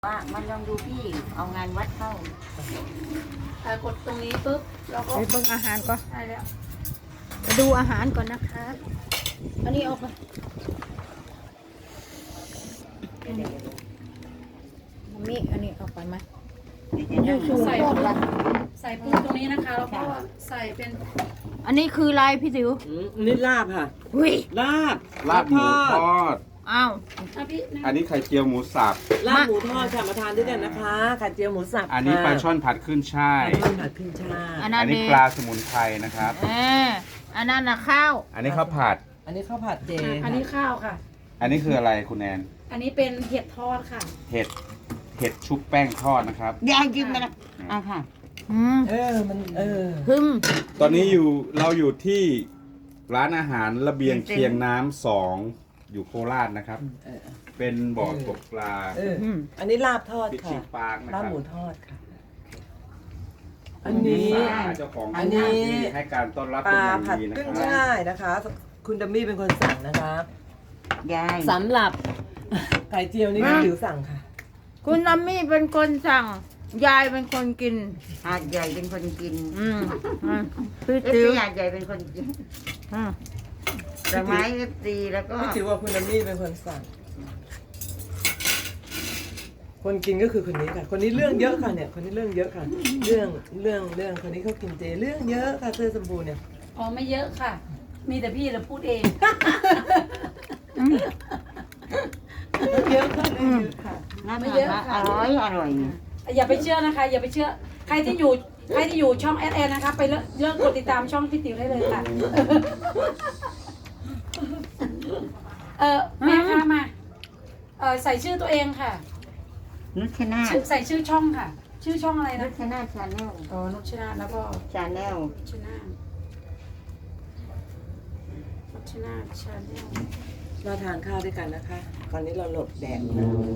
ว่ามันลองดูพี่เอางานวัดเข้ากดตรงนี้ปุ๊บเราก็ไปเบิ่งอาหารก่อนได้แล้วไปดูอาหารก่อนนะคะ อันนี้ออกไปมีอันนี้ออกไปไหมอยู่สูงโคตรละใส่ปูตรงนี้นะคะแล้วก็ใส่เป็นอันนี้คืออะไรพี่ติ๋วนี่ลาบค่ะหุยลาบลาบหมูทอดอ้าวพี่อันนี้ไข่เจียวหมูสับลาบหมูทอดค่ะมาทานด้วยกันนะคะไข่เจียวหมูสับอันนี้ปลาช่อนผัดขึ้นช่ายปลาช่อนผัดขึ้นช่ายอันนั้อันนนี้เด็ปลาสมุนไพรนะครับอันนั้นน่ะข้าวอันนี้ข้าวผัดอันนี้ข้าวผัดเจอันนี้ข้าวค่ะอันนี้คืออะไรคุณแนนอันนี้เป็นเห็ดทอดค่ะเห็ด เห็ดชุบแป้งทอดนะครับยายกินไปละอ่ะค่ะมันฮึมตอนนี้เราอยู่ที่ร้านอาหารระเบียงเคียงน้ำ2อยู่โคราชนะครับ เป็นบ่อตกปลาอันนี้ลาบทอดฟิชค่ะชิ่งปาร์คนะคลารับบ หมูทอดค่ะ อัอันนนี้นี้เจ้าของอันนี้ที่ให้การต้อนรับปเป็นลาอย่างผัดดีนะขึ้นครับช่ายนะคะ คุณดัมมี่เป็นคนสั่งนะคะยายสำหรับไข่เจียวนี่พี่ติ๋วสั่งค่ะคุณนัมมี่เป็นคนสั่ง ยายเป็นคนกินหาดใหญ่เป็นคนกินอืมพี่เอฟติ๋วซีหาดใหญ่เป็นคนกินอืมดอกไม้เอฟซีแล้วก็พี่ติ๋วว่าคุณดัมมี่เป็นคนสั่ง คนกินก็คือคนนี้ค่ะ คนนี้เรื่องเยอะค่ะเนี่ย คนนี้เรื่องเยอะค่ะ เรื่องคนนี้เขากินเจเรื่องเยอะค่ะเสื้อสมบูรณ์เนี่ยอ๋อไม่เยอะค่ะ มีแต่พี่เราพูดเองเยอะค่ะเรื่องเยอะค่ะน่าไม่ทานเยอะมากค่ะอร่อยอย่าไปเชื่อนะคะ อย่าไปเชื่อ ใครที่อยู่ช่องแอดนะคะ ไปเลิกกดติดตามช่องพี่ติ๋วได้เลยค่ะ แม่ค่ะมาใส่ชื่อตัวเองค่ะนุชนาใส่ชื่อช่องค่ะ ชื่อช่องอะไรนุนะชนาชาแนลอ๋อนุชนาแล้วก็ชาแนลนุชนาชาแนลมาทานข้าวด้วยกันนะคะ ตอนนี้เราหลบแดดนะ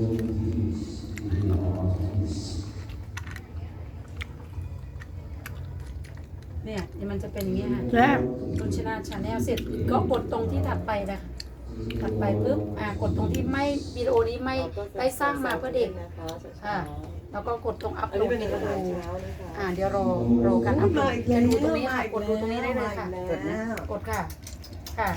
เนี่ยมันจะเป็นอย่างเงี้ยค่ะแซ่บนุชนาชาแนลเสร็จก็กดตรงที่ถัดไปนะคะถัดไปปุ๊บกดตรงที่ไม่วิดีโอนี้ไม่ได้สร้างมาเพื่อเด็กนะคะอ่าแล้วก็กดตรงอัพอันโหลนี้ดเป็นวิอาดีหารโอเช้านะคะเดี๋ยวรอการอัพโหลดมาอีกจะแล้วดูตรงนี้ค่ะกดดูตรงนี้ได้เลยค่ะกดแล้วกดค่ะค่ะ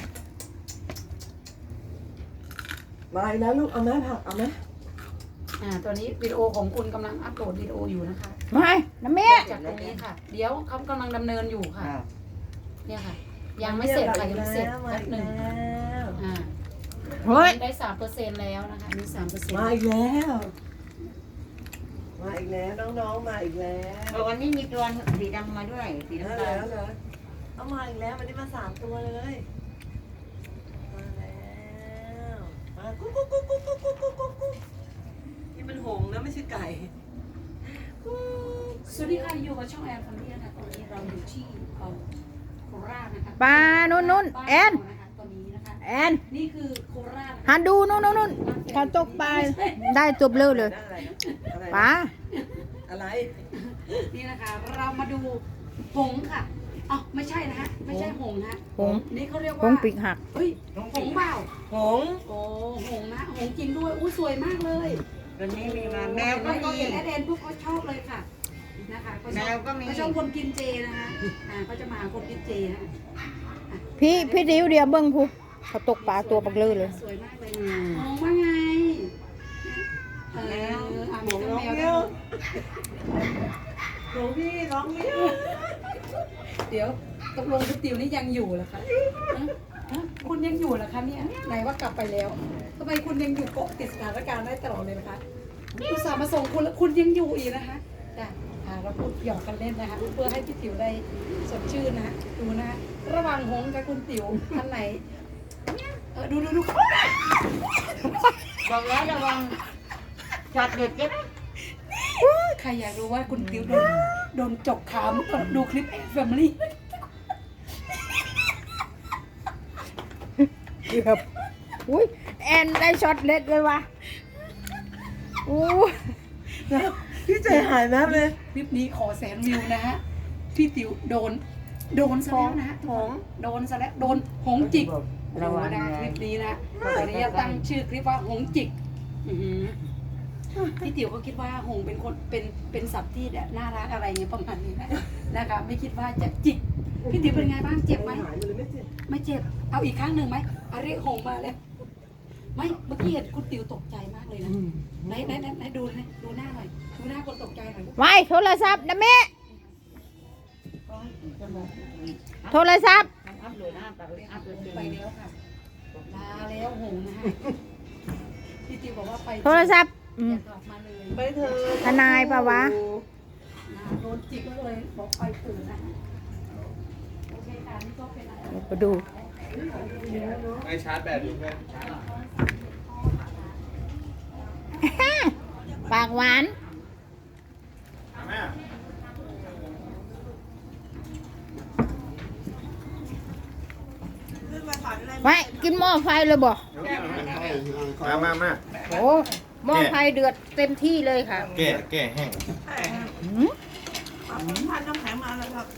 มาอีกแล้วลูกเอาไหมผักเอาไหมตัวนี้วิดีโอของคุณกำลังอัพโหลดวิดีโออยู่นะคะไม่น้ำเมี่ยจากตรงนี้ค่ะ เดี๋ยวเขากำลังดำเนินอยู่ค่ะ เนี่ยค่ะ ยังไม่เสร็จค่ะยังไม่เสร็จแป๊บหนึ่งอ่าเฮ้ยได้3%แล้วนะคะมี3% มาอีกแล้วมาอีกแล้วน้องๆมาอีกแล้ววันนี้มีตัวสีดำมาด้วยสีแล้วน้ำตาลเหรอเอามาอีกแล้ววันนี้มา3 ตัวเลยมาแล้วมากุ๊กกุ๊กกุ๊กกุ๊กกุ๊กกุ๊กกุ๊กกุ๊กกุ๊กนี่มันหงส์นะไม่ใช่ไก่กุ๊กสวัสดีค่ะอยู่กับช่องแอนฟอร์มี่นะคะตอนนี้เราอยู่ที่โคราชนะคะปลานุ่นแอนตอนนี้นะคะแอนนี่คือโคราชหันดูนู่นเขาตกปลาได้จบเร็วเลยนั่นอะไรนะอะไรปลาอะไรนี่นะคะเรามาดูหงส์ค่ะอ๋อไม่ใช่นะฮะไม่ใช่หงส์นะฮะหงส์นี่เขาเรียกหว่างปีกหักเฮ้ยหงส์เปล่าหงส์โอ้หงส์นะหงส์จริงด้วยอู้สวยมากเลยวันนี้มีมาแมวก็ก็มีเห็นแอดแอนพวกเขาชอบเลยค่ะนะคะเขาชอบแมวก็มีเขาชอบคนกินเจนะคะเขาจะมาคนกินเจนะพี่ดิวเดียวเบิ้งผู้เขาตกปลาตัวปักเลยเลยสวยมากเลยมองว่าไงแมวหมีงส์ทั้งร้องแมวเมี้ยวหงส์พี่ร้องเมี้ยวเดี๋ยวตกลงคุณติ๋วนี่ยังอยู่เหรอคะคุณยังอยู่เหรอคะเนี่ยไหนว่ากลับไปแล้วทำไมคุณยังอยู่เกาะติดสถานการณ์ได้ตลอดเลยนะคะอุตส่าห์มาส่งคุณแล้วคุณยังอยู่อีกนะคะจ้ะเราพูดหยอกกันเล่นนะคะเพื่อให้พี่ติ๋วได้สดชื่นนะดูนะระหว่างหงส์กับคุณติ๋วอันไหนดูบอกแล้วระวังช็อตเด็ดเจ็บใครอยากรู้ว่าคุณติ๋วโดนจกขามดูคลิปแฟมิลี่เกือบอุ้ยแอนได้ช็อตเล็ดเลยว่ะอู้พี่ใจหายแมบเลยคลิปนี้ขอ100,000 วิวนะฮะพี่ติ๋วโดนซะแล้วนะฮะโดนซะแล้วโดนหงจิกระวังนะนะคลิปนี้นะตอนนี้จะตั้งชื่อคลิปว่าหงจิกพี่ติ๋วก็คิดว่าหงเป็นคนเป็นสัตว์ที่น่ารักอะไรเงี้ยประมาณนี้นะคะไม่คิดว่าจะจิกพี่ติ๋วเป็นไงบ้างเจ็บไหมหายไปเลยไม่เจ็บไม่เจ็บเอาอีกครั้งหนึ่งไหมอาเรียกหงมาแล้วไม่เมื่อกี้เห็นคุณติ๋วตกใจมากเลยนะไหนดูนะดูหน้าหน่อยดูหน้าคนตกใจหน่อยลูกไว้โทรศัพท์นะแม่โทรศัพท์อัพเลยนะอัพเลยไปแล้วค่ะลาแล้วหงนะฮะพี่ติ๋วบอกว่าไปโทรศัพท์อย่ากลับมาเลยไปเถอะทนายปะวะโดนจิกก็เลยบอกไปตื่นนะโอเคค่ะนี่ก็เป็นอะไรเดี๋ยวไปดูไม่ชาร์จแบตอยู่เพื่อนปากหวานเอาแม่ไว้กินหม้อไฟเลยบ่มาโอ้หม้อไฟเดือดเต็มที่เลยค่ะแก้แห้งหืมทานน้ำแข็งมาแล้วครับ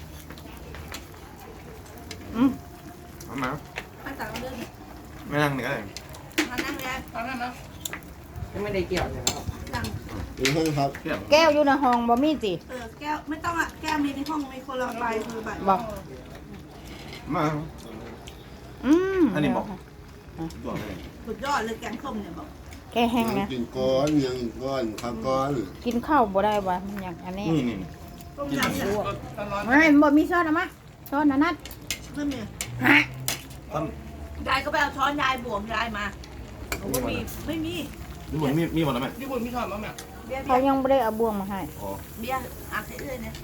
อืมมามาตักเรื่องไม่นั่งนี่ก็ได้มานั่งแล้วตอนนั้นนะไม่ได้เกี่ยวใช่ไหมครับตังแก้วอยู่ในห้องบ่มีสิแก้วไม่ต้องอ่ะแก้วมีในห้องมีคนละใบคือใบบอกมาอืมอันนี้บอกตัวอะไรสุดยอดเลยแกงส้มเนี่ยบอกแก้แห้งนะกินก้อนยังก้อนข้าวก้อนกินข้าวบ่ได้วะมันอย่างอันนี้นี่ต้มยำเนี่ยไม่บ่มีช้อนเอามาช้อนอันนั้นไม่มีฮะยายก็ไปเอาช้อนยายบวมยายมาบอกว่ามีไม่มีนี่บุญมีหมดแล้วไหมพี่บุญพี่ทอดมั้งเนี่ยเบียร์เขายังไม่ได้เอาบ่วงมาให้อ๋อเบียร์อ่านให้เลยเนี่ย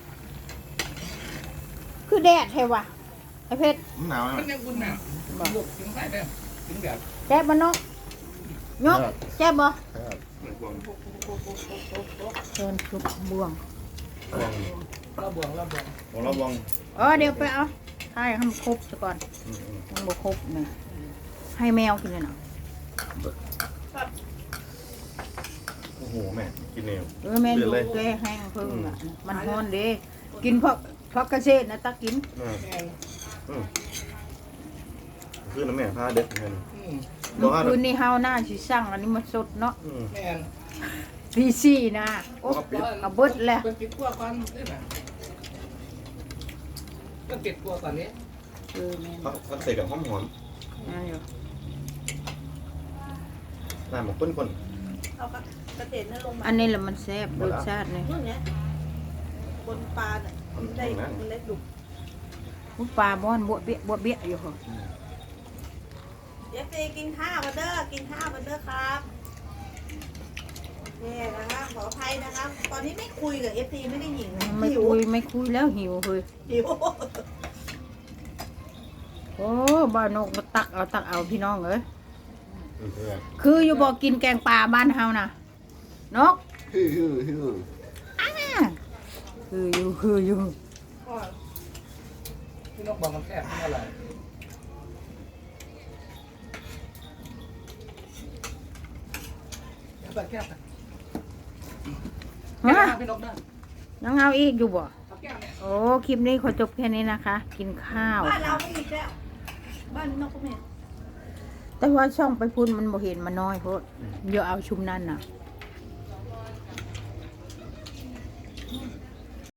คือแดดเทวะไอเพชรมันหนาวไหมมันยังบุญเนี่ยบุกถึงใส่ได้ถึงแบบแจ๊บบ่นกยกแจ๊บบ่เชิญชุบบ่วงเราบวงของเราวงเดี๋ยวไปเอาให้ให้มันครบซะก่อนมันบ่ครบนี่ให้แมวกินเลยเนาะโอ้โหแม่กินเร็วแม่ดูแกแห้งเพิ่งอ่ะมันฮ้อนเด้กินเพราะเกษตรนะตักกินคือน้ำแม่ผ้าเด็ดเงินเมื่อคืนนี้เฮาหน้าสิสั่งอันนี้มาสดเนาะแม่นตีสี่นะโอ้กระเบิดแล้วเป็นติดกลัวก่อนนี่นะก็ติดกลัวก่อนนี้แม่นเขาใส่กับหอมนั่นอยู่น้ำหมกข้นเอากระเทียมนั่นลงมาอันนี้แหละมันแซ่บรสชาตินี่นู่นเนี่ยบนปลาเนี่ยมันได้มันเล็กดุอุ๊ยปลาบ้อนบวเบี้ยอยู่เหรอเอฟซีกินข้าวมาเด้อกินข้าวมาเด้อครับนี่นะครับขออภัยนะครับ ตอนนี้ไม่คุยกับเอฟซีไม่ได้หญิงนะไม่หิวคุยแล้วหิวเฮ้ยหิวโอ้บ้านนกมาตักเอาพี่น้องเอ้ยๆคืออยู่บอกกินแกงปลาบ้านเฮานะนกฮือคืออยู่พี่นกบอกมันแคบไม่อะไรแบบแคบฮะพี่นกได้ยังเอาอีกอยู่บ่ครับแก้วเนี่ยโอ้คลิปนี้ขอจบแค่นี้นะคะ กินข้าวบ้านเราไม่อีกแล้วบ้านนอกก็ไม่แต่ว่าช่องไปพุ่นมันบ่เห็นมันน้อยโพดเดี๋ยวเอาชุมนั่นน่ะ